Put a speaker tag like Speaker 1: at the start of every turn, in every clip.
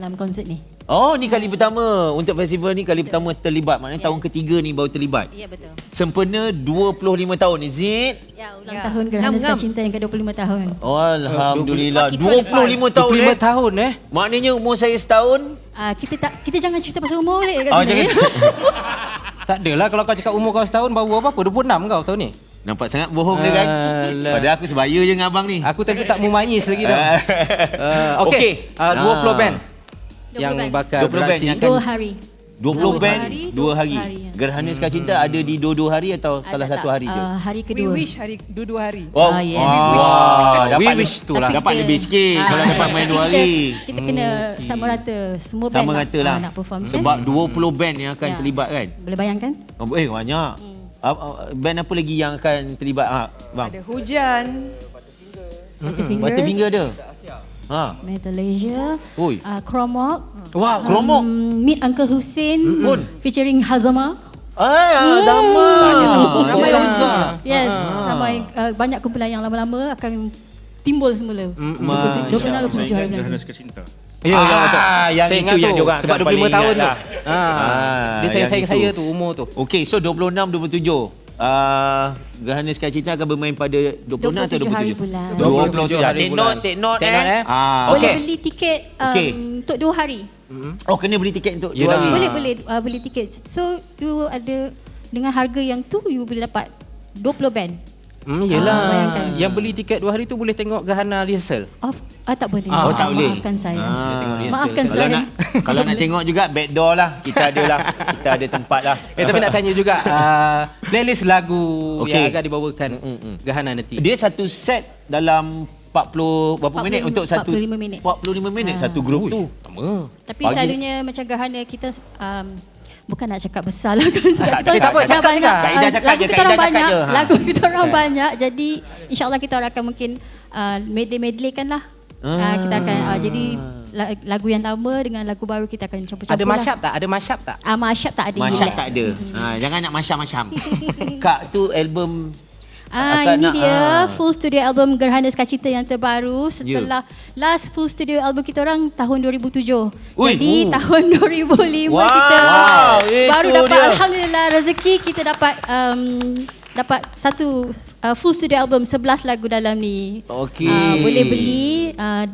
Speaker 1: dalam konsert ni.
Speaker 2: Oh, ni kali pertama untuk festival ni, kali pertama terlibat. Maknanya tahun ketiga ni baru terlibat.
Speaker 1: Ya, betul.
Speaker 2: Sempena 25 tahun, is it?
Speaker 1: Ya, ulang tahun Gerhana Sukacinta yang ke-25 tahun.
Speaker 2: Oh, Alhamdulillah.
Speaker 3: 25
Speaker 2: tahun
Speaker 4: 25 tahun
Speaker 2: Maknanya umur saya setahun.
Speaker 1: Kita jangan cerita pasal umur boleh kat
Speaker 2: Oh,
Speaker 1: sini.
Speaker 4: Tak adalah kalau kau cakap umur kau setahun baru apa? 26 kau tahun ni.
Speaker 2: Nampak sangat bohong dia kan?
Speaker 4: Alah.
Speaker 2: Padahal aku sebaya je dengan abang ni.
Speaker 4: Aku tadi tak mumanyis lagi dah.
Speaker 2: Okey.
Speaker 4: 20 band
Speaker 1: 20
Speaker 4: yang
Speaker 1: band.
Speaker 4: bakal
Speaker 2: 20 band yang
Speaker 4: beraksi.
Speaker 1: 2 hari.
Speaker 2: 20 band, 2 hari.
Speaker 1: ya.
Speaker 2: Gerhana Sukacinta ada di dua-dua hari atau salah
Speaker 1: Tak,
Speaker 2: satu hari je?
Speaker 1: hari
Speaker 3: We
Speaker 1: kedua.
Speaker 3: wish hari dua hari.
Speaker 2: Oh,
Speaker 1: yes.
Speaker 2: dapat
Speaker 4: We wish tu lah.
Speaker 2: Dapat lebih sikit kalau dapat main 2 hari.
Speaker 1: Kita kena sama rata. Semua band
Speaker 2: Sama rata lah.
Speaker 1: nak perform.
Speaker 2: Sebab 20 band yang akan
Speaker 1: Ya.
Speaker 2: terlibat kan?
Speaker 1: Boleh bayangkan?
Speaker 2: Banyak. Band apa lagi yang akan terlibat bang?
Speaker 3: Ada Hujan.
Speaker 1: Butterfingers,
Speaker 2: Butterfinger ada.
Speaker 1: Metalasia,
Speaker 2: Oi.
Speaker 1: Chromok,
Speaker 4: Wow.
Speaker 2: Kromok.
Speaker 1: Meet Uncle Hussein featuring Hazama.
Speaker 2: Sama.
Speaker 3: Ramai OG.
Speaker 1: Yes, ramai banyak kumpulan yang lama-lama akan timbul semula. 26 27 hari
Speaker 5: Gerhana
Speaker 1: bulan.
Speaker 5: Sukacinta.
Speaker 4: Ya, betul.
Speaker 2: yang
Speaker 4: Saya
Speaker 2: itu
Speaker 4: ingat
Speaker 2: yang
Speaker 4: tu,
Speaker 2: diorang
Speaker 4: sebab
Speaker 2: akan
Speaker 4: 25
Speaker 2: paling
Speaker 4: tahun
Speaker 2: ingat
Speaker 4: tu.
Speaker 2: lah.
Speaker 4: Dia
Speaker 2: yang
Speaker 4: sayang-sayang
Speaker 2: itu.
Speaker 4: saya tu umur tu.
Speaker 2: Okey, so 26 27. Gerhana Sukacinta akan bermain pada 26 atau
Speaker 1: 27 hari
Speaker 2: 27?
Speaker 1: bulan.
Speaker 4: 27 hari
Speaker 2: Take
Speaker 4: bulan.
Speaker 2: note, take note.
Speaker 4: Take note,
Speaker 1: Boleh
Speaker 4: Okey.
Speaker 1: beli tiket
Speaker 2: Okey.
Speaker 1: untuk 2 hari.
Speaker 2: Oh, kena beli tiket untuk 2
Speaker 4: Yelah.
Speaker 2: hari.
Speaker 1: Boleh beli tiket. So you ada dengan harga yang tu you boleh dapat 20 band.
Speaker 4: Yelah.
Speaker 1: bayangkan.
Speaker 4: Yang beli tiket 2 hari tu boleh tengok Gerhana rehearsal.
Speaker 1: Tak boleh.
Speaker 2: Oh, tak boleh.
Speaker 1: Maafkan saya.
Speaker 4: rehearsal.
Speaker 1: Maafkan
Speaker 2: Kalau
Speaker 1: saya.
Speaker 2: nak kalau nak tengok juga backdoor lah. Kita ada lah. Kita ada tempat lah.
Speaker 4: Tapi nak tanya juga playlist lagu
Speaker 2: Okey.
Speaker 4: yang akan dibawakan Gerhana nanti.
Speaker 2: Dia satu set dalam 40 berapa
Speaker 1: 45
Speaker 2: minit untuk satu
Speaker 1: 45 minit.
Speaker 2: 45 minit satu grup tu.
Speaker 1: Tapi
Speaker 2: Pagi.
Speaker 1: selalunya macam Gerhana kita bukan nak cakap besar lah kan sebab kita
Speaker 4: tak apa,
Speaker 1: dah
Speaker 4: cakap
Speaker 1: banyak
Speaker 4: je.
Speaker 2: Kaedah cakap
Speaker 1: lagu
Speaker 2: je,
Speaker 1: kita
Speaker 2: kaedah
Speaker 1: orang
Speaker 2: cakap
Speaker 1: banyak
Speaker 2: je.
Speaker 1: lagu kita orang banyak jadi insyaAllah kita orang akan mungkin medley-medleykan lah. Kita akan jadi lagu yang lama dengan lagu baru kita akan campur-campur
Speaker 4: Ada
Speaker 1: lah.
Speaker 4: mashup tak? Ada mashup tak?
Speaker 1: Mashup tak ada.
Speaker 2: Masyap tak ada. Jangan nak masyam-masyam. Kak tu album akan
Speaker 1: Ini
Speaker 2: nak,
Speaker 1: dia full studio album Gerhana Sukacinta yang terbaru setelah last full studio album kita orang tahun 2007.
Speaker 2: Ui.
Speaker 1: Jadi tahun 2005
Speaker 2: Wow,
Speaker 1: kita
Speaker 2: itu
Speaker 1: baru dapat
Speaker 2: dia.
Speaker 1: alhamdulillah rezeki kita dapat dapat satu full studio album 11 lagu dalam ni.
Speaker 2: Okey.
Speaker 1: Boleh beli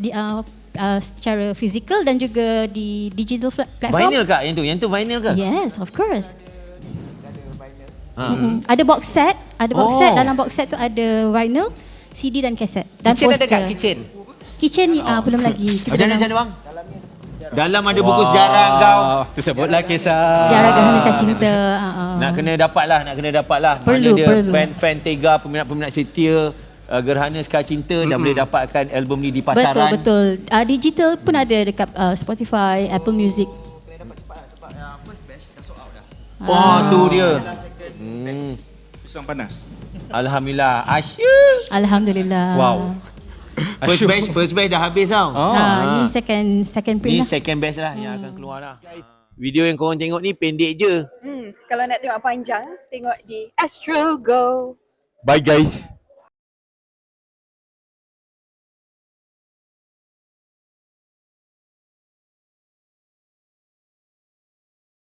Speaker 1: secara fizikal dan juga di digital platform.
Speaker 2: Vinyl Kak yang tu? Yang tu vinyl ke?
Speaker 1: Yes, of course. Ada box set, dalam box set tu ada vinyl, CD dan kaset dan
Speaker 4: Kitchen ada
Speaker 1: poster.
Speaker 4: kat kitchen?
Speaker 1: Kitchen belum lagi. Kita
Speaker 2: Macam mana
Speaker 1: dalam
Speaker 2: bang? Dalam ada buku sejarah kau.
Speaker 4: Tu sebutlah kisah.
Speaker 1: sejarah Gerhana Sukacinta.
Speaker 2: Nak kena dapat lah.
Speaker 1: Perlu,
Speaker 2: Mana dia
Speaker 1: perlu.
Speaker 2: fan-fan Tega, peminat-peminat setia Gerhana Sukacinta dah boleh dapatkan album ni di pasaran.
Speaker 1: Betul. Digital pun ada dekat Spotify, Apple Music.
Speaker 2: Oh, tu dia.
Speaker 5: Pisang panas.
Speaker 2: Alhamdulillah. Asyik.
Speaker 1: Alhamdulillah.
Speaker 4: Wow.
Speaker 2: First batch dah habis tau.
Speaker 1: Ni second print
Speaker 2: Ni
Speaker 1: lah.
Speaker 2: second batch lah yang akan keluar lah. Video yang korang tengok ni pendek je.
Speaker 3: Kalau nak tengok panjang, tengok di Astro Go.
Speaker 2: Bye guys.